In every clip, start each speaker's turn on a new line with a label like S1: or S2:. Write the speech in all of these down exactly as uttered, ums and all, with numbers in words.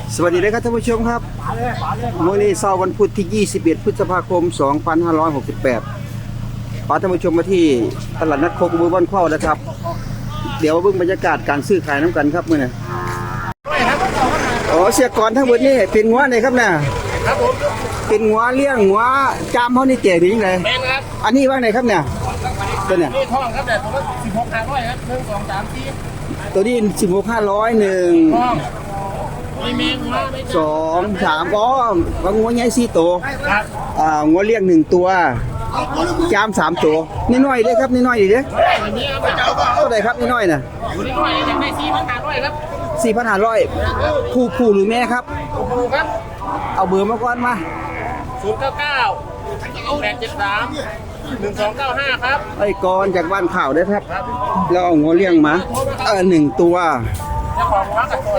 S1: สวัสดีเลยครับท่านผู้ชมครับวันนี้เช้าวันพุธที่ยี่สิบเอ็ดพฤษภาคมสองพันห้าร้อยหกสิบแปดพาท่านผู้ชมมาที่ตลาดนัดโคกมือบ้านเข้านะครับเดี๋ยวเบิ่งบรรยากาศการซื้อขายน้ำกันครับมื้อนี้อ๋อเสียก่อนทั้งหมดนี่เป็นงัวไหนครับเนี่ยครับผมเป็นงัวเลี้ยงงัวจามเฮานี่เจ๋ดีจังได๋แม่นครับอันนี้ว่าไหนครับเนี่ยตัวเนี่ย
S2: นี่ทองครับแต่ตัวละสิบหกห้าร้อยครับหนึ่งสองสามสี่
S1: ตัวนี้สิบหกห้าร้อยหนึ่ง
S2: ทองมีเมงมา
S1: สองสามอ๋อว่างัวใหญ่สี่ตัว
S2: ครับ
S1: อ่างัวเลี้ยงหนึ่งตัวจามสามตัวนี่น้อยเด้ครับนี่น้อยดิเด้เท่าไหร่ครับนี่น้อยน่ะ
S2: นี่น้อยอยากได้สี่พันห้าร้อยครับ
S1: สี่พันห้าร้อยผู้ผู้หรือแม่ครับ
S2: ผู้ครับ
S1: เอาเบอร์มาก่อนมา
S2: ศูนย์เก้าเก้าแปดเจ็ดสามหนึ่งสองเก้าห้าครับ
S1: ไอ้กรจากบ้านข่าวได้ครับเราเอางัวเลี้ยงมาเออหนึ่งตัว
S2: เจ้าของร้านกับตัว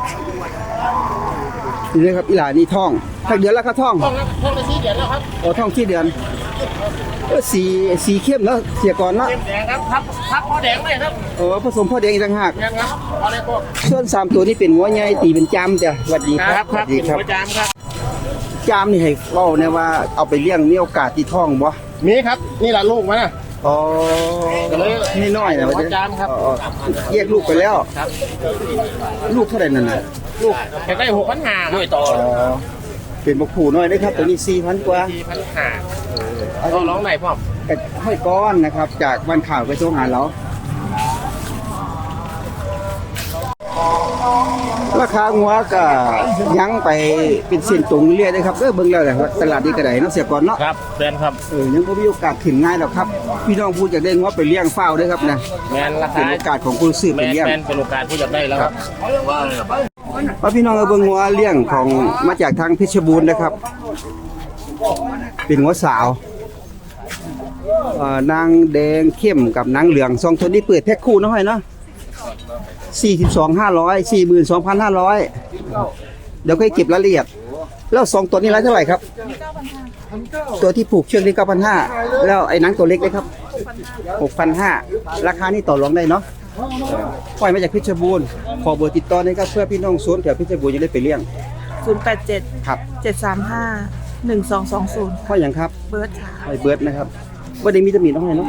S1: นี่เลยครับอีหลานี่ท่องถ้าเดือนแล้วครับท่อง
S2: ท่องท่องได้สี่เดือนแล้วครับ
S1: โอ้ท่องสี่เดือนเออสีสีเข้มแล้วเสียก่อนละ
S2: เข้มแดงครับทับทับพ่อแดงเลยครับ
S1: เออผสมพ่อแดงอีกต่างหาก
S2: ครับพอได้พวก
S1: ส่วนสามตัวนี้เป็นงัวใหญ่ตีเป็นจามจ้ะสวัสดีครับ
S2: สวัสดีครับจามครับ
S1: จามนี่ให้เล่าเนี่ยว่าเอาไปเลี้ยงมีโอกาสที่ท่องบ่
S2: มีครับนี่แหละลูกมันนะ
S1: อ๋อนี่น้อยนะว่า
S2: จามครับ
S1: แยกลูกไปแล้ว
S2: ครับ
S1: ลูกเท่าไหร่นั่นน่ะ
S2: ลูกแค่ได้หกพันห้าด้วยต่อ
S1: เป็นบักผูน้อยนะครับตัวนี้สี่พันกว่า
S2: สี่พันห้าก็ร้องไหนพ่อ
S1: กับห้อยก้อนนะครับจากบ้านข่าวไปโทรหาเราราคางัวก็ยั้งไปเป็นเส้นตรงเรื่อยเลยครับเออเบิ่งแล้วแหละตลาดนี้ก็ได้เนาะเสียก่อนเนาะ
S2: ครับแฟนครับ
S1: เออยังบ่มีโอกาสขึ้นง่ายหรอกครับพี่น้องผู้อยากได้งัวไปเลี้ยงเฝ้าด้วยครับนะ
S2: แม่นราคา
S1: เป็นโอกาสของผู้ซื้อไปเลี้ยง
S2: แม่นเป็นโอกาสผู้อยากได้แล้วครับ
S1: ว่าพี่น้องเอาเบิ่งงัวเลี้ยงของมาจากทางเพชรบูรณ์นะครับเป็นงัวสาวเอ่อนางแดงเข้มกับนางเหลืองสองตัวนี้เปิดแพ็คคู่เนาะให้เนาะสี่สิบสอง ห้าร้อย สี่หมื่นสองพันห้าร้อยเดี๋ยวค่อยเก็บรายละเอียดแล้วสองตัวนี้รายเท่าไหร่ครับตัวที่ผูกเชือกนี่ เก้าพันห้าร้อย แล้วไอ้หนังตัวเล็กเลยครับ หกพันห้าร้อย ราคานี่ต่อรองได้เนาะปล่อยมาจากเพชรบูรณ์ขอเบอร์ติดต่อนี่ครับเพื่อพี่น้องโซนแถวเพชรบูรณ์จะได้ไปเลี้ยง
S3: ศูนย์ แปด เจ็ด
S1: ครับ
S3: เจ็ด สาม ห้า หนึ่ง สอง สอง ศูนย์
S1: พ่ออย่างครับ
S3: เบิร์ดค่ะ
S1: ไอ้เบิร์ดนะครับบ่ได้มีตำหนิน้องให้เนาะ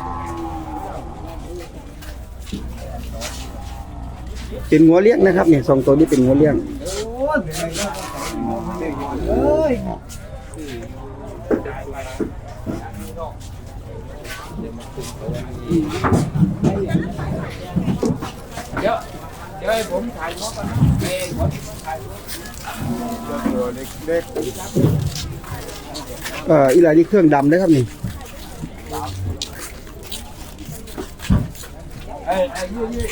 S1: เป็นงัวเลี้ยงนะครับเนี่ยสองตัวนี้เป็นงัวเลี้ยง
S2: เดี๋ยวเดี๋ยวให้ผมถ่ายมอกันเองผมถ่ายตัวเล็ก
S1: เอ่ออีหลายนี่เครื่องดำนะครับนี่
S2: ไอ้ไอ้ยี่ยี่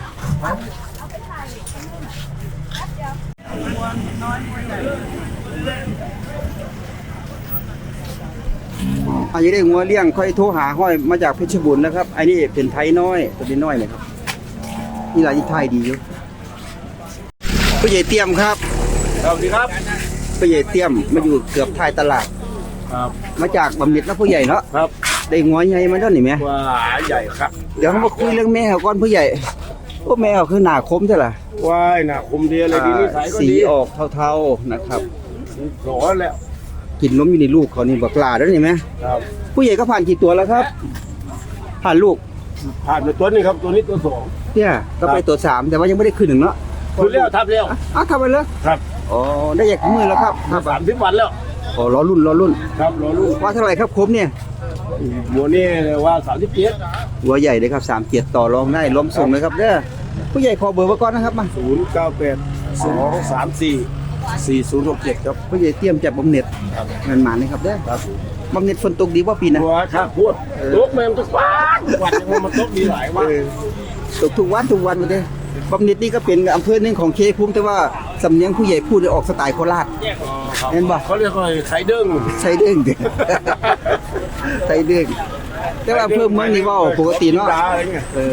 S1: อันนี้ได้งัวเลี้ยงค่อยโทรหาห้อยมาจากเพชรบุรีนะครับอันนี้เป็นไทยน้อยตัวนี้น้อยเลยครับนี่หลายที่ไทยดีอยู่ผู้ใหญ่เตรียมครับ
S2: สวัสดีครับ
S1: ผู้ใหญ่เตรียมมาอยู่เกือบท้ายตลาด
S2: ครับ
S1: มาจากบำเหน็จนะผู้ใหญ่เนาะ
S2: ครับ
S1: ได้งัวใหญ่มาแล้วนี่ไหม
S2: ว่าใหญ่ครับ
S1: เดี๋ยวเขามาคุยเรื่องแม่เขาก่อนผู้ใหญ่โอ้แม่เขาคือหน้าคมใช่ไหม
S2: ว่ายหน้าคมดีอะไรดีนิสัยก็ดี
S1: สีออกเทาๆนะครับ
S2: หล่อแล้ว
S1: กินนมอยู่ในลูกเขานี่บักลาแล้วนี่ไหม
S2: ครับ
S1: ผู้ใหญ่ก็ผ่านกี่ตัวแล้วครับผ่านลูก
S2: ผ่านไปตัวนี้ครับตัวนี้ตัวสอง
S1: เนี่ยก็ไปตัวสามแต่ว่ายังไม่ได้ขึ้นหนึ่งเนาะ
S2: ขึ้นแล้วทับแล้ว
S1: อ้าวทำไปเลย
S2: ครับ
S1: อ๋อได้อยากมือแล้วครับ
S2: สามสิบวันแล้ว
S1: อ๋อรอรุ่นรอรุ่น
S2: ครับรอรุ่น
S1: ว่าเท่าไหร่ครับครบเนี่ย
S2: หัวนี่ว่าสามสิบเจ็ด
S1: หัวใหญ่เลยครับสามเจ็ดต่อรองได้ล้มส่งเลยครับเด้อผู้ใหญ่ขอเบอร์ไว้ก่อนนะครับมา
S2: ศูนย์เก้าแปดสองสามสี่สี่ศูนย์หกเจ็ดครับ
S1: ผู้ใหญ่เตรียมจับบำเหน็จเงินหมาเลยครับเด้อบำเหน็จฝนตกดีว่าปีนะ
S2: ว่าครับพูดตกแม่งทุกวันทุกวันยังมันตกดีหลายวัน
S1: ตกทุกวันทุกวันมาเด้บำเหน็จนี่ก็เป็นอำเภอหนึ่งของเคภูมิแต่ว่าสำเนียงผู้ใหญ่พูดออกสไตล์โคราชเห็นบ่
S2: เขาเรียกว่าไทยเด้ง
S1: ไทยเด้งไทยเด้งแต่ว่าเพิ่มเมืองนี่ว่าปกติเนาะเออ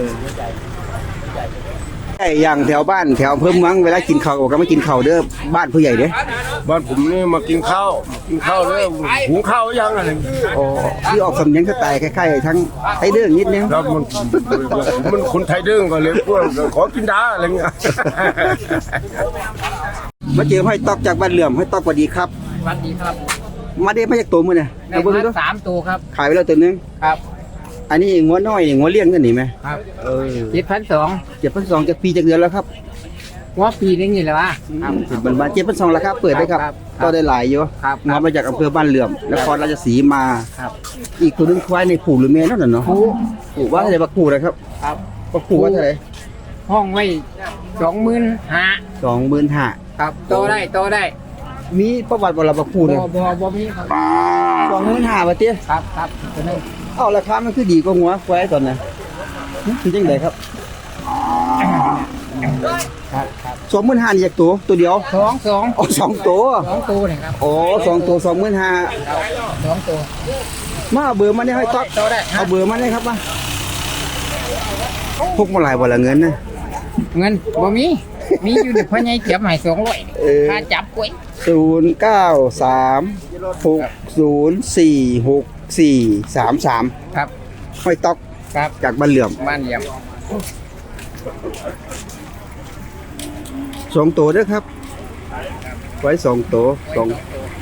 S1: ไอ้อย่างแถวบ้านแถวเพิ่มเมืองเวลากินข้าวก็ไม่กินข้าวเด้อบ้านผู้ใหญ่เด้อ
S2: บ้านผมนี่มากินข้าวกินข้าวแล้วหุงข้าวยังอะไร
S1: อ๋อที่ออกสำเนียงสไตล์คล้ายๆทั้งไทยเด้งนิดนึง
S2: ครับมันมันคนไทยเด้งก็เลยพวกขอกินดาอะไรเงี้ย
S1: มาเจอห้อยตอกจากบ้านเหลื่อมห้อยตอกสวัสดีครับ
S2: สวัสดีครับ
S1: มาได้มาจากตัวมื้อเนี่ย
S2: ได้
S1: เอาเบิ่ง
S2: มา
S1: ดู
S2: สามตัวครับ
S1: ขายไปแล้วตัวหนึง
S2: ครับ
S1: อันนี้งัวน้อยนี่งัวเลี้ยงกันนี่ไหม
S2: ครับ
S1: เออ
S2: เจ็ดพันสอง
S1: เจ็ดพันสองจากปีจากเดือนแล้วครับ
S2: ว่าปีนึงนี่แหละวะครับ
S1: เป็นบ้านเจ็ดพันสองราคาเปิดได้ครับ
S2: ครับ
S1: ก็ได้หลายอยู่
S2: ครับ
S1: งอมาจากอำเภอบ้านเหลื่อมนครราชสีมา
S2: ครับ
S1: อีกตัวหนึงควายในผูหรือแม่นั่นน่ะเนาะ
S2: ผู้
S1: ผูว่าเท่าไหร่บักผูนะครับ
S2: ครับ
S1: บักผูว่าเท่าไหร่
S2: ห้องไว้สองหมื่นห้า
S1: สองหมื่นห้า
S2: ครับโตได้โตได้
S1: มีประวัติบรบักผู
S2: บ่
S1: เนี่ย
S2: บ่บ่มีครับ
S1: สองหมื่นห้าบาทเตี้ย
S2: ครับครับตัวนึง
S1: เอ้าราคามันคือดีกว่างัวควายตอนนั้นคือจังไดครับ
S2: ครับครับ
S1: สองหมื่นห้านี่จากตัวตัวเดียว
S2: สองสอง
S1: อ๋อสองตัว
S2: สองตัวนี่ครับ
S1: อ๋อสองตัวสองหมื่นห้า
S2: ครับสองตัว
S1: มาเอาเบอร์มาได้ให้ต๊อก
S2: โตได้
S1: เอาเบอร์มาได้ครับมาพกมาหลายวันละเงินนะ
S2: เงินบ่มีมีอยู่ในพ่อใหญ่เจ็บให้สองร้อย
S1: เออ
S2: ค่าจับกล้วย
S1: ศูนย์เก้าสามหกศูนย์สี่หกสี่สามสาม
S2: ครับ
S1: ห้อยต๊อก
S2: ครับ
S1: จากบ้านเหลื่อม
S2: บ้านเยี่ยม
S1: สองตัวเด้อครับ ไว้สองตัวสอง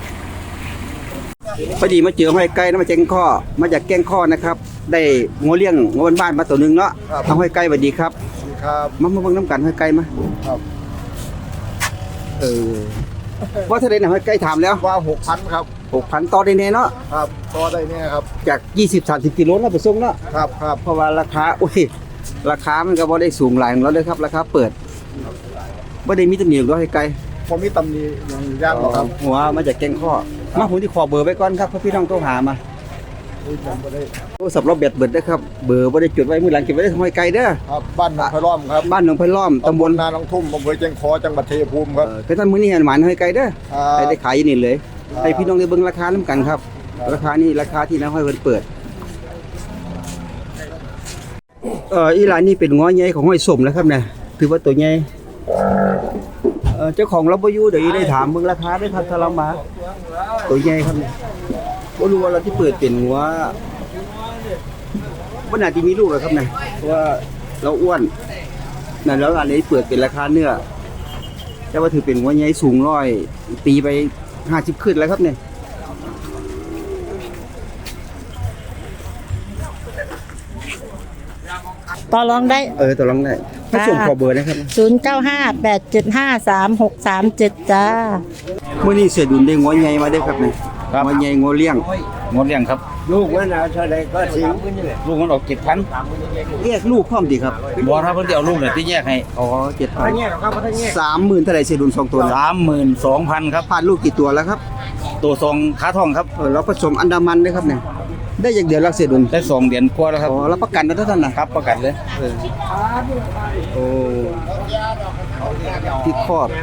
S1: พอดีมาเจอห้อยไก่นะมาแจ้งข้อมาจากแก้งข้อนะครับ ได้งัวเลี้ยงงัวบ้านๆมาตัวหนึงเนาะทำห้อยไก่สวัสดีครับ
S4: ครับ
S1: มามาเบิ่งน้ำกันห้อยไก่มา
S4: ครับ
S1: เออว่าถ้าได้นะห้อยไก่ถามแล้ว
S4: ว่าหกพันครับ
S1: หกพันต่อได้แน่เนาะ
S4: ครับต่อได้เนี่ยครับ
S1: จากยี่สิบ สามสิบกิโลแล้วไปส่งเนาะ
S4: ครับครับ
S1: เพราะว่าราคาโอ้ยราคามันก็บ่ได้สูงหลายของเราเลยครับ ราคาเปิดบ่ได้มีตำหนิหรอกให้ไกล
S4: ผมมีตำหนิอย่างยากหรอกครับ
S1: หัวมาจากแกงข้อมาผมที่ขอเบอร์ไว้ก่อนครับเพื่อพี่น้องโทรหามา
S4: อุ้ยผมบ่ได้
S1: โทรศัพท์เราแบตเบิดเด้อครับเบอร์บ่ได้จดไว้มื้อหลังเก็บไว้ได้ห้อยไกลเด้อ
S4: ครับบ้านหนองไผ่ล้อมครับ
S1: บ้านหนองไผ่ล้อมตำบล
S4: นาหนองทุ่มอำเภอเชียงคอจังหวัดชัยภูมิครับ
S1: เออคือท่านมื้อนี้หมานห้อยไกลเด้อ
S4: ครับ
S1: ให้ได้ขายอยู่นี่เลย
S4: ครับ
S1: ให้พี่น้องได้เบิ่งราคานํกันครับ ราคานี่ราคาที่น้าห้อยเพิ่นเปิดเอ่ออีหลานนี่เป็นง้อใหญ่ของห้อยสมนะครับเนี่ยถือว่าตัวใหญ่เอ่อเจ้าของเราบ่อยู่เดี๋ยวอีได้ถามเบิ่งราคาด้วยครับถ้าเรามาตัวใหญ่ครับเนี่ยบ่รู้ว่าเราที่เปิดเป็นงัวบ่น่าสิมีลูกหรอกครับเนี่ยเพราะว่าเราอ้วนนั่นแล้วอันนี้เปิดเป็นราคาเนื้อแต่ว่าถือเป็นงัวใหญ่สูงร้อยตีไปห้าสิบขึ้นแล้วครับเนี่ย
S5: ต่อรองได้
S1: เออตัวลองได้ถ้าส่งขอเบอร์นะครับ
S5: ศูนย์ เก้า ห้า แปด เจ็ด ห้า สาม หก สาม เจ็ด จ้า
S1: เมื่อนี้เสียดุลได้งัวใหญ่มาได้ครับเนี่ยงัวใหญ่งัวเลี้ยง
S6: งดเลี้ยงครับ
S1: ลูกมันเท่าไรก็สิง
S6: ลูกมันออกเจ็ดพัน
S1: เรียกลูกพร้อมดีครับ
S6: บอถ้าเพิ่นจะเอาลูกเนี่ยที่แยกให้
S1: อ๋อเจ็ดพันสามหมื่นเท่าไรเสียดุลสองตัวนะ
S6: สามหมื่นสองพันครับ
S1: ผ่านลูกกี่ตัวแล้วครับ
S6: ตัวทรงขาทองครับ
S1: เออเราผสมอันดามันด้วยครับเนี่ยได้อย่างเดียวรักเสียดุล
S6: ได้สองเดือนกว่าแล้วครับ
S1: อ๋อรับประกันนะท่านนะครับ
S6: ประกันเลย
S1: เออโอ้ที่ครอบ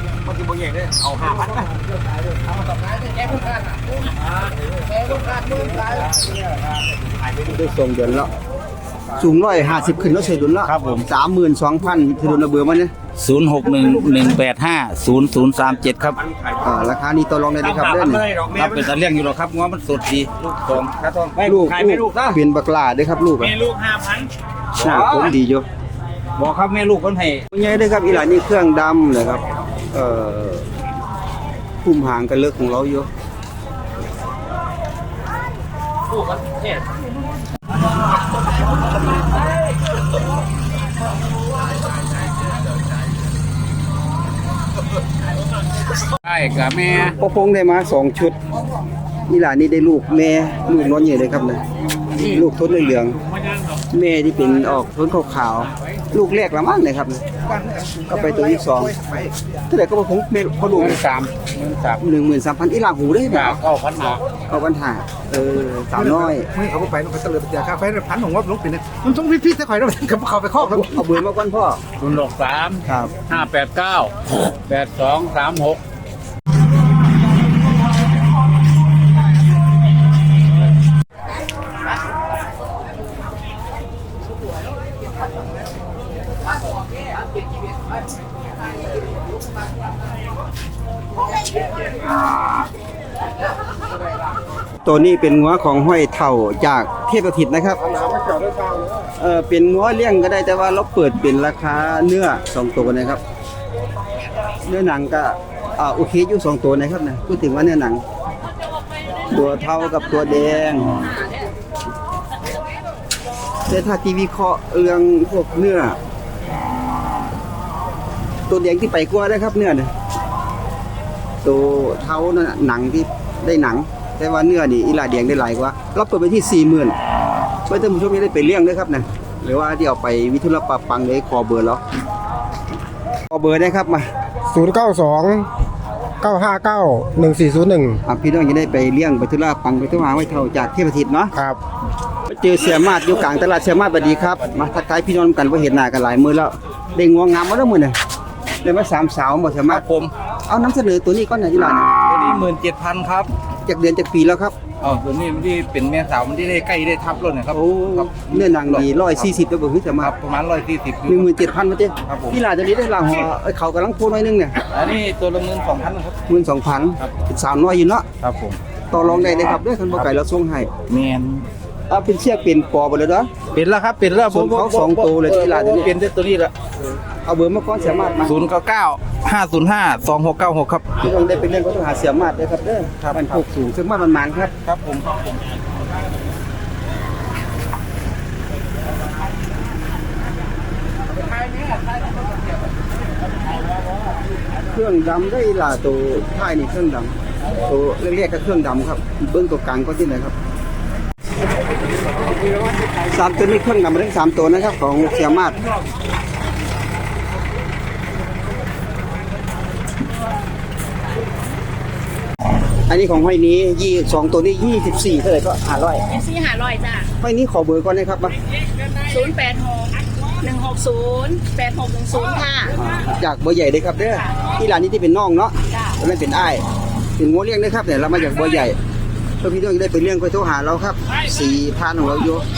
S1: ได้สองเดือนแล้วสูงร้อยห้าสิบขึ้นแล้วเสียดุลแล้ว
S6: ครับผม
S1: สามหมื่นสองพันเสียดุลระเบือมันเนี่ย
S6: ศูนย์หกหนึ่งหนึ่งแปดห้าศูนย์ศูนย์สามเจ็ดครับ
S1: อ่าราคานี้ต่อรองได้ไหมครับเด้อนี่
S6: ครับเป็นตาเลี้ยงอยู่หรอกครับง้อมันสดดีลูกทองขาทอง
S1: ลูกลูกเป็นบักลาเด้อครับลูกอะ
S6: ลูกห้าพัน
S1: หน้าผมดีอยู่
S6: บอกครับแม่ลูกคนให้
S1: ใหญ่เด้อครับอีหลานนี่เครื่องดำเลยครับเอ่อพุ่มหางกันเลิกของเราอยู่
S2: ใช่กับแม่
S1: พ่อพงได้มาสองชุดอีหลานนี่ได้ลูกแม่ลูกน้อยใหญ่เลยครับนะลูกทนเหลืองๆแม่ที่เป็นออกทนขาวๆลูกแรกละมั้งเลยครับนะก็ไปตัวที่สองเท่าไหร่ก็พ่อพงแม่พ่อลูก
S2: เงินสามเงินสาม
S1: หนึ่งหมื่นสามพันอีหลานหูได้ไหม
S2: จากเข้าพันหา
S1: เอาปัญหาเออสาวน้อย
S4: ไม่เขาไปลงไปเตลิดไปเจอข้าไฟพันของว่าลงไปเนี่ยมันต้องพี่ๆถ้าข่อยแล้วเขาเขาไปครอบแล้ว
S1: เอาเบอร์มาก่อนพ่อ
S2: ศูนย์หกสาม
S1: ครับ
S2: ห้าแปดเก้าแปดสองสามหก
S1: ตัวนี้เป็นงัวของห้อยเถ่าจากเทพสถิตนะครับเออเป็นงัวเลี้ยงก็ได้แต่ว่าเราเปิดเป็นราคาเนื้อสองตัวนะครับเนื้อหนังก็อ่าโอเคอยู่สองตัวนะครับนะพูดถึงว่าเนื้อหนัง ตัวเท่ากับตัวแดงแต่ถ้าทีวีเคราะห์เรื่องพวกเนื้อ ตัวแดงที่ไปกว่าได้ครับเนื้อเนี่ยตัวเท่านั่นน่ะหนังที่ได้หนัง แต่ว่าเนื้อนี่อีหลาแดงได้หลายกว่าเราเปิดไปที่สี่หมื่นเพื่อท่านผู้ชมจะได้ไปเลี้ยงด้วยครับนะหรือว่าที่เอาไปวิทุรปาปังเลยขอเบอร์แล้วขอเบอร์ได้ครับมา
S7: ศูนย์เก้าสองเก้าห้าเก้าหนึ่งสี่ศูนย์หนึ่ง
S1: อ่ะพี่น้องจะได้ไปเลี้ยงไปทุราปังไปทุราไว้เท่าจากเทพทิศเนาะ
S7: ครับ
S1: มาเจอเสียมาดอยู่กลางตลาดเสียมาดสวัสดีครับมาทักทายพี่น้องกันว่าเห็นหน้ากันหลายมื้อแล้วได้งวงงามมาแล้วมื้อน่ะได้มาสามสาวหมดเสียมาด
S6: ผม
S1: เอาน้ำเสนอตัวนี้ก่อนหน่อยที่ร้าน
S6: ตัวนี้หมื่นเจ็ดพันครับ
S1: จากเดือนจากปีแล้วครับ
S6: อ๋อตัวนี้มันที่เป็นแม่สาวมันที่ได้ใกล้ได้ทับรถนะครับ
S1: โอ้เนื้อหนังดีร้อยสี่สิบแล้วบ่คือเสีย
S6: ค
S1: มา
S6: รั
S1: ด
S6: บประมาณร้อยสี่สิบ
S1: หนึ่งหมื่นเจ็ดพันมาเจ้
S6: ครับผม
S1: พี่ลาจะนี้ได้ลาหัวเอ้ยเขากำลังโพน้อยนึงเนี่ย
S6: อันนี้ตัวละหมื่นสองพันครับ
S1: หมื่นสองพันสาวน้อยอยู่เนาะ
S6: ครับผม
S1: ต่อรองได้เลยครับด้วยคันบ่ไก่เราส่งให้
S6: แมน
S1: เอาเป็นเชือกเป็นปอไปเลยเด้อ
S6: เป็นแล้วครับเป็นแล้ว
S1: ส่วนเขาสองตัวเลยที่ร้านนี้
S6: เป็นตัวนี้ละ
S1: เอาเบอร์มาก่อนเสียมาดมา
S6: ศูนย์เก้าเก้าห้าศูนย์ห้าสองหกเก้าหกครับ
S1: พี่น้องได้ไปเล่นก็ต้องหาเสียมาดเด้อครับเด้อครับมันผูกสูงซึ่งมาดมันมันครับ
S6: ครับผมครับผม
S1: เครื่องดำได้ล่ะตัวท้ายนี่เครื่องดำตัวเรียกๆก็เครื่องดำครับเบิ้งตัวกลางก็ที่ไหนครับสามตัวนี้เครื่องดำมาทั้งสามตัวนะครับของเสียมาดอันนี้ของห้อยนี้ยี่สองตัวนี้ยี่สิบสี่เท่าไหร่ก็ห้าร้อย
S3: สี่หาร้อยจ้ะ
S1: ห้อยนี้ขอเบอร์ก่อนนะครับมา
S3: ศูนย์แปดหกหนึ่งหกศูนย์แปดหกหนึ่งศูนย์ค่ะ
S1: อ่าจากเบอร์ใหญ่เลยครับเด้อที่ร้านนี้ที่เป็นน้องเนาะ
S3: จ้ะ
S1: แล้วนั่นเป็นอ้ายเป็นงัวเลี้ยงนะครับเนี่ยเรามาจากเบอร์ใหญ่เพื่อพี่น้องจะได้ไปเลี้ยงไปโทรหาเราครับสี่พันของเราอยู่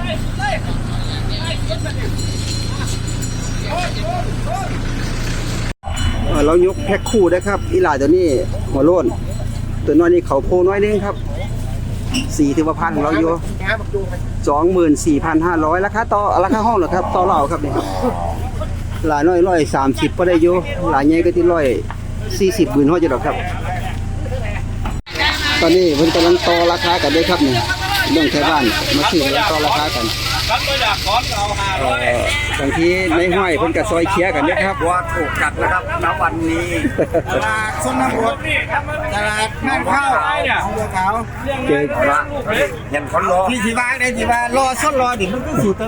S1: เอ่อเรายกแพ็คคู่ได้ครับอีหลาตัวนี้หัวโล้นตัวน้อยนี่เขาโพน้อยนึงครับสี่ถือว่าพันของเราอยู่สองหมื่นสี่พันห้าร้อยราคาต่อราคาห้องเหรอครับต่อเราครับเนี่ยหลายน้อยร้อยสามสิบก็ได้อยู่หลายใหญ่ก็ที่ร้อยสี่สิบหมื่นห้าจะดอกครับ ตอนนี้เพิ่นกำลังต่อราคากันด้วยครับเนี่ยเรื่องแถวบ้านมาซื้อแล้วต่อราคากันเอ่อบางทีในห้อยเพิ่นก็ซอยเคลียร์กันเด้อครับว่าถูกกัดนะครับณวันนี้ตลาดชนบทตลาดแม่ข้าวของบัวขาวเจอว่าเห็นคนรอพี่สิว่าได้สิว่ารอซ้อนรอดิมันก็สิ